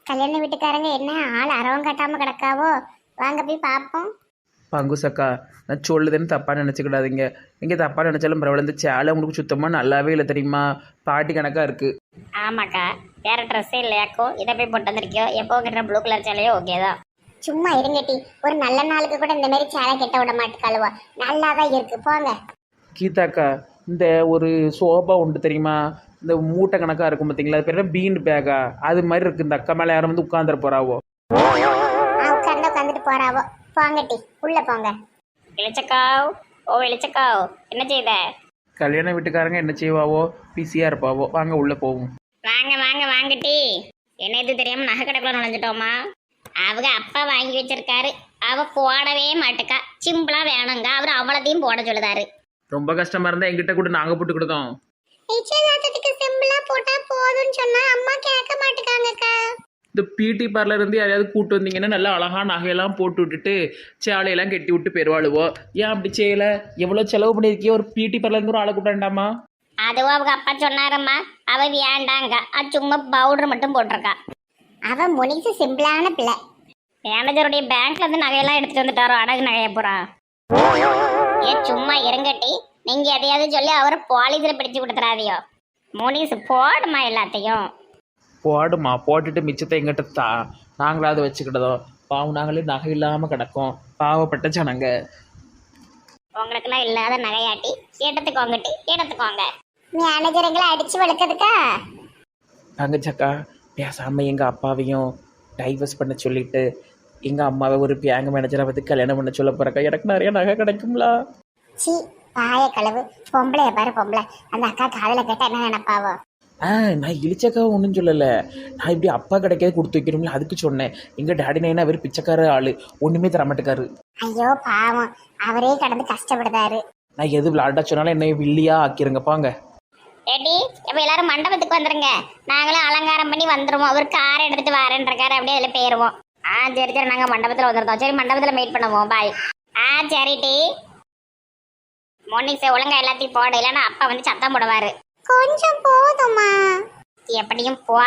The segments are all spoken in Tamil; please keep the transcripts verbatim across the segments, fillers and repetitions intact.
கல்யாண வீட்டுக்காரங்க என்ன ஆள் அரவம் கட்டாம கிடக்காவோ? வாங்க போய் பார்ப்போம். பங்குசக்கா, நான் சொல்லுதுன்னு தப்பாக நினச்சிக்கிடாதீங்க. நீங்கள் தப்பாக நினச்சாலும் பரவாயில்ல, இந்த சேலை உங்களுக்கு சுத்தமாக நல்லாவே இல்லை தெரியுமா? பாட்டி கணக்காக இருக்குது. ஆமாக்கா, வேற ட்ரெஸ்ஸே இல்லையாக்கோ, இதை போய் போட்டு வந்திருக்கியோ. எப்போ கிட்ட ப்ளூ கலர் சேலையோ ஓகே தான். சும்மா இருங்கட்டி, ஒரு நல்ல நாளுக்கு கூட இந்த மாதிரி சேலை கெட்ட விட மாட்டுக்காளுவா. நல்லா தான் இருக்கு, போங்க. கீதாக்கா, இந்த ஒரு சோபா உண்டு தெரியுமா? இந்த மூட்டை கணக்காக இருக்கும் பார்த்தீங்களா? அது பேர் பீன் பேக்கா? அது மாதிரி இருக்குது. இந்த அக்கா மேலே யாரும் வந்து உட்காந்துட போகிறாவோ. உட்காந்து உட்காந்துட்டு போறாவோ. போங்கட்டி, உள்ள போங்க. வெளிச்சக்காவ், ஓ வெளிச்சக்காவ், என்ன செய்த? கல்யாண வீட்டுக்காரங்க என்ன செய்வாவோ? பிஸியாக இருப்பாவோ. வாங்க உள்ளே போவோம். வாங்க வாங்க வாங்கட்டி. என்ன இது தெரியாம நகை கடைக்குள்ள நுழைஞ்சிட்டோமா? அவங்க அப்பா வாங்கி வச்சிருக்காரு, அவ போடவே மாட்டுக்கா. சிம்பிளா வேணுங்க, அவர் அவ்வளோத்தையும் போட சொல்லுதாரு. ரொம்ப கஷ்டமாக இருந்தால் எங்கிட்ட கூட நாங்கள் போட்டு கொடுத்தோம். நிச்சயதார்த்தத்துக்கு சிம்பிளா போட்டா போதும்னு சொன்னா அம்மா கேட்க மாட்டுக்காங்கக்கா. இந்த பிடி பார்லர் இருந்து யாரையாவது கூட்டு வந்தீங்கன்னா நல்லா அழகா நகையெல்லாம் போட்டு விட்டுட்டு சேலையெல்லாம் கட்டி விட்டு பெருவாளுவோ. ஏன் அப்படி செய்யல? எவ்வளோ செலவு பண்ணியிருக்கியோ? ஒரு பிடி பார்லருக்கு ஒரு ஆளை கூப்பிட்டாண்டாமா? அதுவும் அவங்க அப்பா சொன்னாரம்மா, அவ வேண்டாங்க, அது சும்மா பவுடர் மட்டும் போட்டிருக்கா. அவ முனிசு சிம்பிளான பிள்ளை. மேனேஜருடைய பேங்க்ல இருந்து நகையெல்லாம் எடுத்துட்டு வந்துட்டாரோ, அடகு நகைய போறா. ஏ சும்மா இருங்கட்டி, நீங்க எதையாவது சொல்லி அவரை பாலிசில பிடிச்சு கொடுத்துறாதியோ. முனிசு போடுமா எல்லாத்தையும். போடுமா, போட்டுட்டு மிச்சத்தை எங்கிட்ட தா, நாங்களாவது வச்சுக்கிட்டதோ. பாவம், நாங்களே நகை இல்லாமல் கிடக்கோம். பாவப்பட்ட ஜனங்க. உங்களுக்குலாம் இல்லாத நகையாட்டி எடுத்துக்கோங்கட்டி, எடுத்துக்கோங்க. மேனேஜருங்களை அடிச்சு வளர்க்கறதுக்கா? தங்கச்சக்கா, பேசாமல் எங்கள் அப்பாவையும் டைவர்ஸ் பண்ண சொல்லிட்டு எங்கள் அம்மாவை ஒரு பேங்க் மேனேஜரை வந்து கல்யாணம் பண்ண சொல்ல போகிறக்கா. எனக்கு நிறைய நகை கிடைக்குங்களா? சி பாய களவு. பொம்பளைய பாரு பொம்பளை. அந்த அக்கா காதல கேட்டா என்ன நினைப்பாவோ? ஆ, நான் இழிச்சக்கா ஒன்றும் சொல்லலை. நான் இப்படி அப்பா கிடைக்காது கொடுத்து வைக்கணும்ல, அதுக்கு சொன்னேன். எங்கள் டேடி நைனா அவர் பிச்சைக்கார ஆள், ஒன்றுமே தரமாட்டுக்காரு. ஐயோ பாவம், அவரே கடந்து கஷ்டப்படுதாரு. நான் எது விளாட்டா சொன்னாலும் என்னை வில்லியா ஆக்கிருங்க. பாங்க ரெடி, இப்போ எல்லாரும் மண்டபத்துக்கு வந்துருங்க. நாங்களும் அலங்காரம் பண்ணி வந்துருவோம். அவர் காரை எடுத்துட்டு வரேன்றாரு, அப்படியே அதில் போயிருவோம். ஆ சரி சரி, நாங்கள் மண்டபத்தில் வந்துருந்தோம். சரி, மண்டபத்தில் மீட் பண்ணுவோம். பாய். ஆ சரி டி. மோனிக்ஸ் ஒழுங்கா எல்லாத்தையும் போட, இல்லைன்னா அப்பா வந்து சத்தம் போடுவாரு. கொஞ்சம் போதுமா? எப்படியும் போ.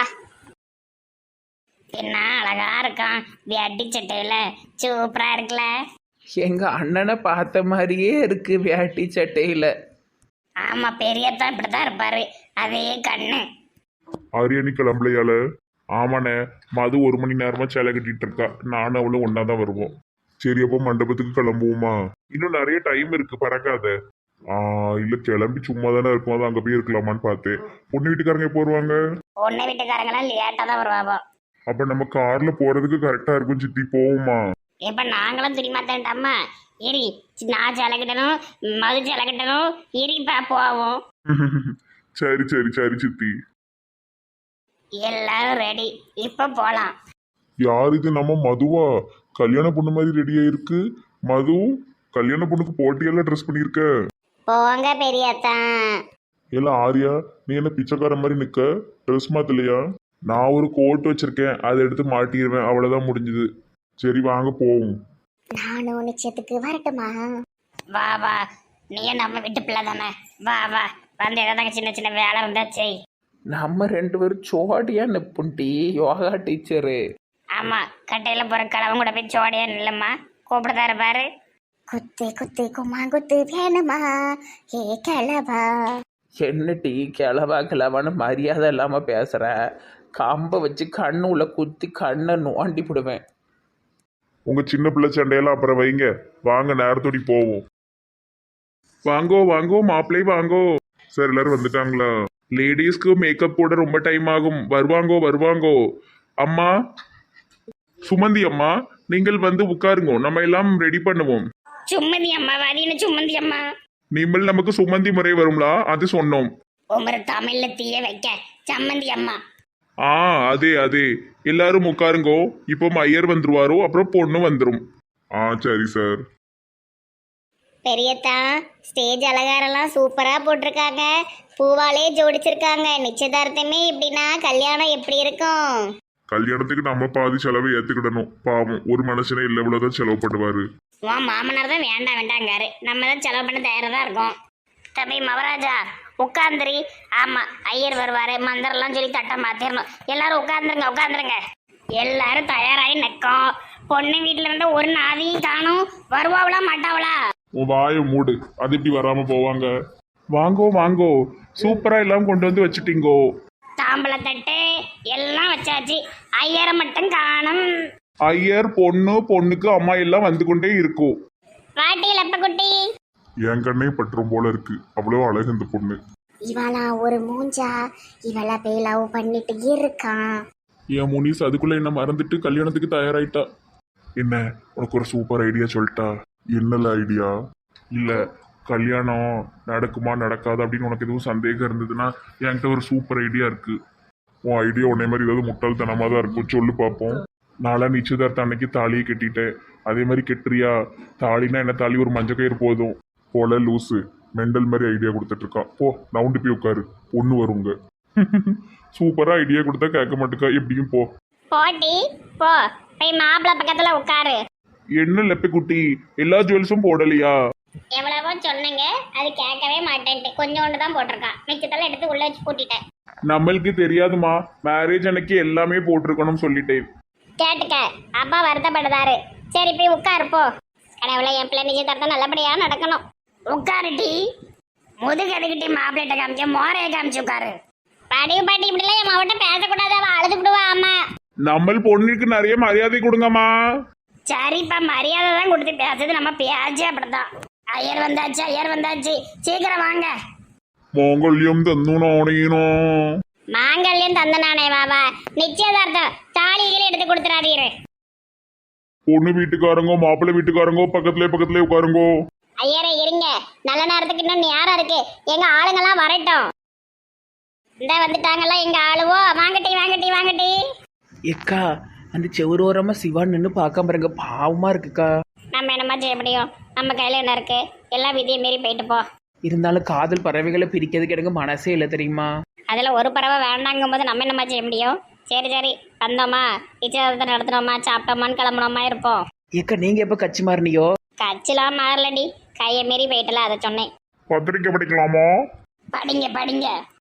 என்ன அழகா இருக்கான் வேட்டி சட்டையில, சூப்பரா இருக்குல்ல. எங்கள் அண்ணனை பார்த்த மாதிரியே இருக்கு வேட்டி சட்டையில். ஆமா, பெரியத்தான் இப்படித்தான் இருப்பாரு, அதே கண்ணு. ஆரியானி கிளம்பலையால? ஆமாண்ணே, மது ஒரு மணி நேரமா சேலை கட்டிட்டு இருக்கா. நானும் அவளும் ஒன்னா தான் வருவோம். சரி, அப்போ மண்டபத்துக்கு கிளம்புவோமா? இன்னும் நிறைய டைம் இருக்கு, பறக்காத. ஆஹ் இல்ல, கிளம்பி சும்மா தானே இருக்கும், அது அங்க போய் இருக்கலாமான்னு பார்த்தேன். பொண்ணு வீட்டுக்காரங்க எப்போ வருவாங்க? பொண்ணு வீட்டுக்காரங்களாம் லேட்டா தான் வருவாவோ. அப்ப நம்ம கார்ல போறதுக்கு கரெக்டா இருக்கும். சித்தி, போவோமா? இப்ப நாங்களும் துணிமாத்தேன்டாமா. இரி, நான் சேலை கட்டணும், மது சேலை கட்டணும். இரிப்பா போவோம். சரி சரி சரி சித்தி. எல்லாரும் ரெடி, இப்ப போலாம். யார் இது? நம்ம மதுவா? கல்யாண பொண்ணு மாதிரி ரெடியா இருக்கு. மது, கல்யாண பொண்ணுக்கு போட்டியெல்லாம் ட்ரெஸ் பண்ணியிருக்க. போங்க பெரியத்தான். எல்லாம் ஆரியா, நீ என்ன பிச்சைக்கார மாதிரி நிக்க? ட்ரெஸ் மாத்தலையா? நான் ஒரு கோட் வச்சிருக்கேன், அதை எடுத்து மாட்டிடுவேன். அவ்வளவுதான், முடிஞ்சது. சரி வாங்க போவோம். நானும் நிச்சயத்துக்கு வரட்டுமா? வா வா, நீயும் நம்ம வீட்டு பிள்ளை தானே. வா வா, வந்து ஏதாவது சின்ன சின்ன வேலை இருந்தா செய். நம்ம ரெண்டு பேரும் சோடியா நிப்புண்டி, யோகா டீச்சரு. ஆமா, கட்டையில போற கிழவன் கூட போய் சோடியா இல்லம்மா கூப்பிடுதா இருப்பாரு. குத்து குத்து கும்மா குத்து வேணுமா ஏ கிளவா? என்ன டீ கிளவா கிளவான்னு மரியாதை இல்லாமல் பேசுகிற? கம்பை வச்சு கண்ணு உள்ள குத்தி கண்ணை நோண்டி போடுவேன். உங்க சின்ன பிள்ளை சண்டையெல்லாம் அப்புறம் வைங்க. வாங்க, நேரத்தோடி போவோம். வாங்கோ வாங்கோ மாப்பிள்ளை வாங்கோ. சார், எல்லாரும் வந்துட்டாங்களா? லேடிஸ்க்கு மேக்கப் போட ரொம்ப டைம் ஆகும். வருவாங்கோ வருவாங்கோ. அம்மா சுமந்தி அம்மா, நீங்கள் வந்து உட்காருங்கோ, நம்ம எல்லாம் ரெடி பண்ணுவோம். சும்மந்தி அம்மா வாதின்னு சும்மந்தி அம்மா. நீங்கள் நமக்கு சுமந்தி முறை வரும்லா, அது சொன்னோம். உமரு தமிழ்ல தீய வைக்க சம்மந்தி அம்மா. ஆ அதே அதே, எல்லாரும் உட்காருங்கோ. இப்போ ஐயர் வந்துருவாரோ, அப்புறம் பொண்ணு வந்துடும். ஆ சரி சார். பெரியத்தா, ஸ்டேஜ் அலங்காரம்லாம் சூப்பரா போட்டிருக்காங்க, பூவாலே ஜோடிச்சிருக்காங்க. நிச்சயதார்த்தமே இப்படின்னா கல்யாணம் எப்படி இருக்கும்? கல்யாணத்துக்கு நம்ம பாதி செலவை ஏத்துக்கிடணும். பாவம், ஒரு மனுஷனே இல்லை இவ்வளவுதான் செலவு பண்ணுவாரு. உன் மாமனார் தான் வேண்டாம் வேண்டாங்காரு, நம்ம தான் செலவு பண்ண தயாராக தான் இருக்கோம். தம்பி மவராஜா உட்காந்துரி. ஆமா, ஐயர் வருவாரு, மந்திரம்லாம் சொல்லி தட்டை மாத்திரணும். எல்லாரும் உட்காந்துருங்க உட்காந்துருங்க. எல்லாரும் தயாராகி நிற்கும். பொண்ணு வீட்டுல இருந்து ஒரு நாதியும் காணும். வருவாவளா மாட்டாவளா? உன் வாயை மூடு, அது இப்படி வராம போவாங்க. வாங்கோ வாங்கோ, சூப்பரா எல்லாம் கொண்டு வந்து வச்சுட்டீங்கோ. தாம்பளை தட்டு எல்லாம் வச்சாச்சு. ஐயரை மட்டும் காணும். ஐயர் பொண்ணு பொண்ணுக்கு அம்மா எல்லாம் வந்து கொண்டே இருக்கும். வாட்டி லப்ப குட்டி. என் கண்ணே பற்றும் போல இருக்கு, அவ்வளோ அழகு இந்த பொண்ணு. இவளா ஒரு மூஞ்சா, இவள போய் லவ் பண்ணிட்டு இருக்கான். என் முனிஸ் அதுக்குள்ள என்ன மறந்துட்டு கல்யாணத்துக்கு தயாராயிட்டா. என்ன உனக்கு ஒரு சூப்பர் ஐடியா சொல்லிட்டா? என்னல ஐடியா? இல்ல கல்யாணம் நடக்குமா நடக்காது அப்படின்னு உனக்கு எதுவும் சந்தேகம் இருந்ததுன்னா என்கிட்ட ஒரு சூப்பர் ஐடியா இருக்கு. உன் ஐடியா உன்னை மாதிரி ஏதாவது முட்டாள்தனமா தான் இருக்கும், சொல்லு பார்ப்போம். நாளா நிச்சயதார்த்த அன்னைக்கு தாலியை கட்டிட்டேன், அதே மாதிரி கெட்டுறியா? தாலினா என்ன, தாலி ஒரு மஞ்சள் கயிறு போதும் போல. லூசு மெண்டல் மாதிரி ஐடியா கொடுத்துட்டு இருக்கான். போ நவுண்டு போய் உட்காரு, ஒன்று வருங்க. சூப்பரா ஐடியா கொடுத்தா கேட்க மாட்டேக்கா, எப்படியும் போ. போட்டி போ, போய் மாப்பிள்ளை பக்கத்துல உட்காரு. என்ன லெப்பை குட்டி, எல்லா ஜுவல்ஸும் போடலையா? எவ்வளவோ சொன்னங்க, அது கேட்கவே மாட்டேன்ட்டு கொஞ்சோண்டு தான் போட்டிருக்கான். மிச்சத்தெல்லாம் எடுத்து உள்ள வச்சு பூட்டிட்டேன். நம்மளுக்கு தெரியாதுமா, மேரேஜ் அன்னைக்கு எல்லாமே போட்டிருக்கணும்னு சொல்லிட்டேன். கேட்டுக்க, அப்பா வருத்தப்படுதாரு. சரி போய் உட்காரு போ. கடவுளை என் பிள்ளை நிச்சயதார்த்தம் நல்லபடியா நடக்கணும். உட்காருட்டி. முதுகு எதுக்கிட்டி மாப்பிள்ளைட்ட காமிச்ச, மோரைய காமிச்சு உட்காரு. படிவு பாட்டி இப்படிலாம் என் மாவட்ட பேசக்கூடாது, அவ அழுதுகிடுவா. ஆமா நம்ம பொண்ணுக்கு நிறைய மரியாதை கொடுங்கம்மா. சரிப்பா, மரியாதை தான் கொடுத்து பேசுது. நம்ம பேச்சு அப்படித்தான். ஐயர் வந்தாச்சு, ஐயர் வந்தாச்சு, சீக்கிரம் வாங்க. மாங்கல்யம் தந்துனானேனோ. மாங்கல்யம் தந்த நானே வாவா. நிச்சயதார்த்தம் தாலிகளை எடுத்து கொடுத்துறாதீரு. பொண்ணு வீட்டுக்காரங்கோ மாப்பிள்ளை வீட்டுக்காரங்கோ பக்கத்துல பக்கத்துல உட்காருங்கோ. ஐயரே இருங்க, நல்ல நேரத்துக்கு இன்னும் நேரம் இருக்கு. எங்க ஆளுங்கெல்லாம் வரட்டும். இந்த வந்துட்டாங்கல்ல எங்க ஆளுவோ. வாங்கட்டி வாங்கட்டி வாங்கட்டி. ஏக்கா அந்த செவரோரமாக சிவான் நின்று பார்க்காம பாருங்க, பாவமாக இருக்குக்கா. நம்ம என்னமா செய்ய முடியும்? நம்ம கையில என்ன இருக்கு? எல்லாம் விதியை மீறி போயிட்டு போ. இருந்தாலும் காதல் பறவைகளை பிரிக்கிறதுக்கு எனக்கு மனசே இல்லை தெரியுமா? அதில் ஒரு பறவை வேண்டாங்கும் போது நம்ம என்னமா செய்ய முடியும்? சரி சரி, வந்தோமா, நிச்சயதார்த்தத்தை நடத்தினோமா, சாப்பிட்டோமான்னு கிளம்புனோமா இருப்போம். ஏக்கா நீங்கள் எப்போ கட்சி மாறினியோ? கட்சிலாம் மாறலடி, கையை மீறி போயிட்டல, அதை சொன்னேன். பத்திரிக்கை படிக்கலாமா? படிங்க படிங்க.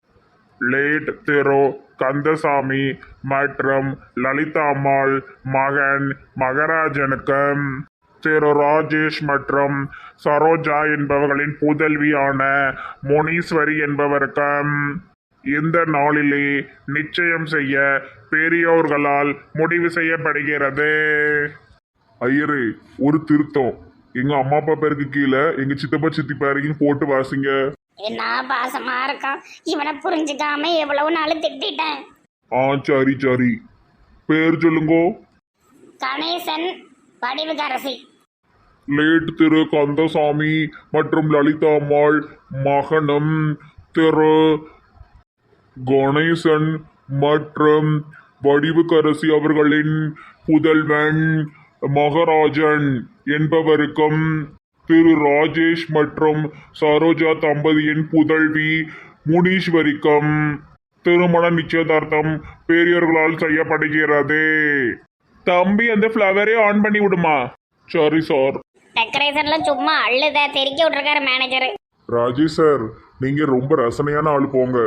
லேட் திரு கந்தசாமி மற்றும் லலிதா அம்மாள் மகன் மகராஜனுக்கும் திரு ராஜேஷ் மற்றும் சரோஜா என்பவர்களின் புதல்வியான முனீஸ்வரி என்பவருக்கும் இந்த நாளிலே நிச்சயம் செய்ய பெரியோர்களால் முடிவு செய்யப்படுகிறது. ஐயரே, ஒரு திருத்தம். எங்க அம்மா அப்பா பேருக்கு கீழே எங்க சித்தப்பா சித்தி பேருக்குன்னு போட்டு வாசிங்க. என்ன பாசமா இருக்கான், இவனை புரிஞ்சுக்காம எவ்வளவு நாள் திட்டேன். ஆ சரி சரி, பேர் சொல்லுங்கோ. கணேசன் வடிவுகரசி. லேட் திரு கந்தசாமி மற்றும் லலிதா அம்மாள் மகனும் திரு கணேசன் மற்றும் வடிவுக்கரசி அவர்களின் புதல்வன் மகராஜன் என்பவருக்கும் திரு ராஜேஷ் மற்றும் சரோஜா தம்பதியின் புதல்வி முனீஸ்வரிக்கும் திருமண நிச்சயதார்த்தம் பெரியோர்களால் செய்யப்படுகிறது. தம்பி அந்த ஃப்ளவரே ஆன் பண்ணி விடுமா? Sorry sir. டெக்கரேஷன்ல சும்மா அள்ளுத தெறிக்க விட்டுருக்காரு மேனேஜர். ராஜேஷ் சார், நீங்க ரொம்ப ரசனையான ஆள் போங்க.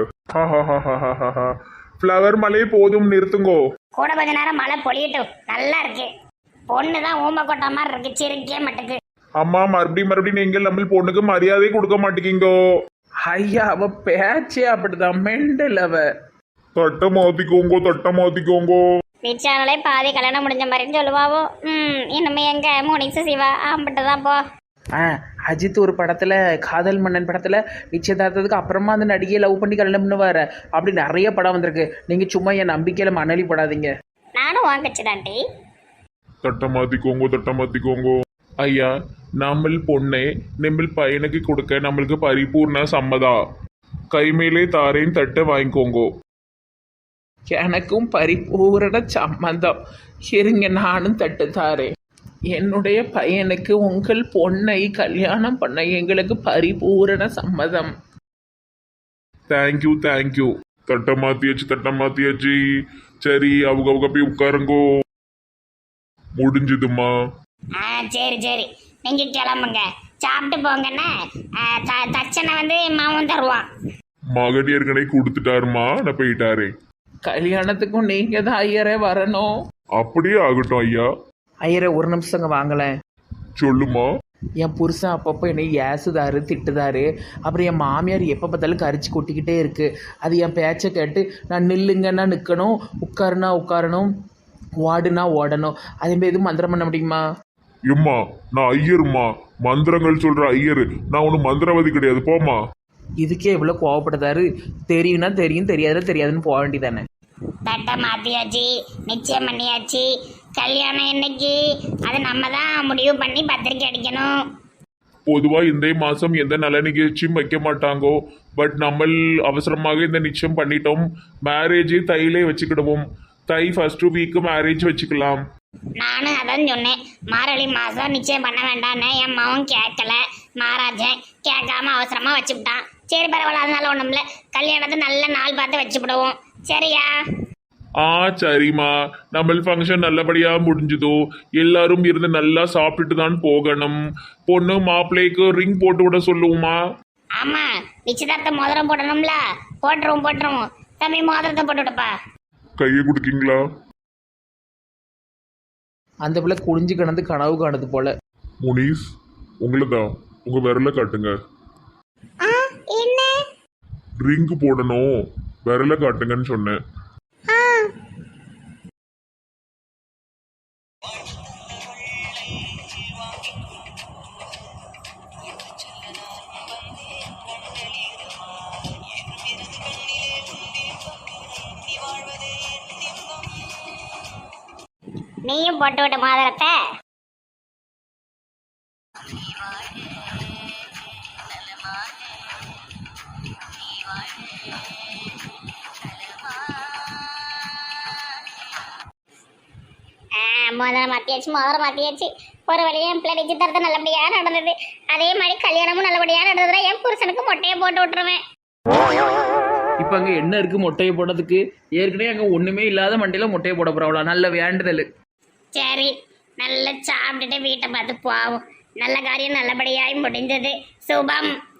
ஃப்ளவர் மலை போதும், நிறுத்துங்கோ. கூட கொஞ்ச நேரம் மழை பொழியட்டும், நல்லா இருக்கு. பொண்ணு தான் ஊமை கொட்டா மாதிரி இருக்கு, சிரிக்கே மாட்டுக்கு. அம்மா மறுபடியும் மறுபடியும் நீங்கள் நம்ம பொண்ணுக்கு மரியாதை கொடுக்க மாட்டேங்கிங்கோ. ஐயா அவ பேச்சே அப்படிதான், மெண்டல் அவ. தட்டை மாத்திக்கோங்கோ, தட்டை மாத்திக்கோங்கோ. நிச்சானலே பாதி கல்யாணம் முடிஞ்ச மாதிரின்னு சொல்லுவாவோ. ம் இனிமே எங்க முனிசு சிவா ஆம்பிட்டு தான் போ. ஆ அஜித் ஒரு படத்தில் காதல் மன்னன் படத்தில் நிச்சயதார்த்தத்துக்கு அப்புறமா அந்த நடிகையை லவ் பண்ணி கல்யாணம் பண்ணுவார். அப்படி நிறைய படம் வந்திருக்கு. நீங்கள் சும்மா என் நம்பிக்கையில் மணலி படாதீங்க. நானும் வாங்கச்சு தாண்டி. தட்டை மாத்திக்கோங்கோ, தட்டை மாத்திக்கோங்கோ. ஐயா, நம்ம பொண்ணை நம்ம பையனுக்கு கொடுக்க நம்மளுக்கு பரிபூர்ண சம்மதா. கைமேலே தாரேன், தட்டை வாங்கிக்கோங்கோ. எனக்கும் பரிபூரண சம்மந்தம். இருங்க நானும் தட்டு தாரேன். என்னுடைய பையனுக்கு உங்கள் பொண்ணை கல்யாணம் பண்ண எங்களுக்கு பரிபூரண சம்மதம். Thank you thank you. தட்டை மாத்தியாச்சு, தட்டை மாத்தியாச்சு. சரி, அவங்க அவங்க போய் உட்காருங்கோ. முடிஞ்சுதுமா. ஆ சரி சரி, நீங்க கிளம்புங்க, சாப்பிட்டு போங்கண்ணே. தச்சனை வந்து மாவும் தருவான். மகடியர்கனை கொடுத்துட்டாருமா, நான் போயிட்டாரே. கல்யாணத்துக்கும் நீங்கள் தான் ஐயரே வரணும். அப்படியே ஆகட்டும் ஐயா. ஐயரே ஒரு நிமிஷங்க வாங்கலேன். சொல்லுமா. என் புருஷன் அப்பப்போ என்னை ஏசுதாரு திட்டுதாரு. அப்புறம் என் மாமியார் எப்போ பார்த்தாலும் கரிச்சு கொட்டிக்கிட்டே இருக்கு. அது என் பேச்சை கேட்டு நான் நில்லுங்கன்னா நிற்கணும், உட்காருனா உட்காரணும், ஓடுனா ஓடணும். அதேமாதிரி எதுவும் மந்திரம் பண்ண முடியுமா? எம்மா நான் ஐயருமா, மந்திரங்கள் சொல்ற ஐயரு. நான் ஒன்றும் மந்திரவாதி கிடையாது, போமா. இதுக்கே இவ்வளோ கோவப்படுதாரு. தெரியும்னா தெரியும், தெரியாதுன்னா தெரியாதுன்னு போக வேண்டியதானே. தட்டை மாத்தியாச்சு, நிச்சயம் பண்ணியாச்சு. கல்யாணம் என்னைக்கு அது நம்ம தான் முடிவு பண்ணி பத்திரிக்கை அடிக்கணும். பொதுவா இந்த மாசம் எந்த நல்ல நிகழ்ச்சியும் வைக்க மாட்டாங்கோ. பட் நம்ம அவசரமாக இந்த நிச்சயம் பண்ணிட்டோம். மேரேஜ் தையிலே வச்சுக்கிடுவோம். தை ஃபர்ஸ்ட் வீக்கு மேரேஜ் வச்சுக்கலாம். நானும் அதான் சொன்னேன், மார்கழி மாதம் நிச்சயம் பண்ண வேண்டான்னு. என் மகன் கேட்கல, மகாராஜன் கேட்காம அவசரமாக வச்சுவிட்டான். சரி பரவாயில்ல, அதனால ஒன்றும் இல்லை. கல்யாணத்தை நல்ல நாள் பார்த்து வச்சுவிடுவோம். சரியா? ஆ சரிம்மா. நம்ம ஃபங்க்ஷன் நல்லபடியா முடிஞ்சுதோ. எல்லாரும் இருந்து நல்லா சாப்பிட்டுட்டு தான் போகணும். பொண்ணு மாப்பிள்ளைக்கு ரிங் போட்டு விட சொல்லுவோமா? ஆமாம், நிச்சயதார்த்த மோதிரம் போடணும்ல. போட்டுருவோம் போட்டுருவோம். தம்பி மோதிரத்தை போட்டு விடுப்பா. கையை கொடுக்கீங்களா? அந்த பிள்ளை குடிஞ்சு கிடந்து கனவு காணுது போல. முனீஸ், உங்களை தான். உங்க விரல காட்டுங்க. என்ன? ரிங் போடணும், விரல காட்டுங்கன்னு சொன்னேன். நீயும் போட்டு விட்ட மோதிரத்தை. மோதிரம் மாத்தியாச்சு, மோதிரம் மாத்தியாச்சு. ஒரு வழியா என் பிள்ளை நிச்சயதார்த்தம் நல்லபடியா நடந்தது. அதே மாதிரி கல்யாணமும் நல்லபடியா நடந்ததுன்னா என் புருஷனுக்கு மொட்டையை போட்டு விட்டுருவேன். இப்போ அங்கே என்ன இருக்குது மொட்டையை போடுறதுக்கு? ஏற்கனவே அங்கே ஒன்றுமே இல்லாத மண்டையில் மொட்டையை போட போகிறவளா? நல்ல வேண்டுதல். சரி, நல்லா சாப்பிட்டுட்டு வீட்டை பார்த்து போவோம். நல்ல காரியம் நல்லபடியாய் முடிந்தது. சுபம்.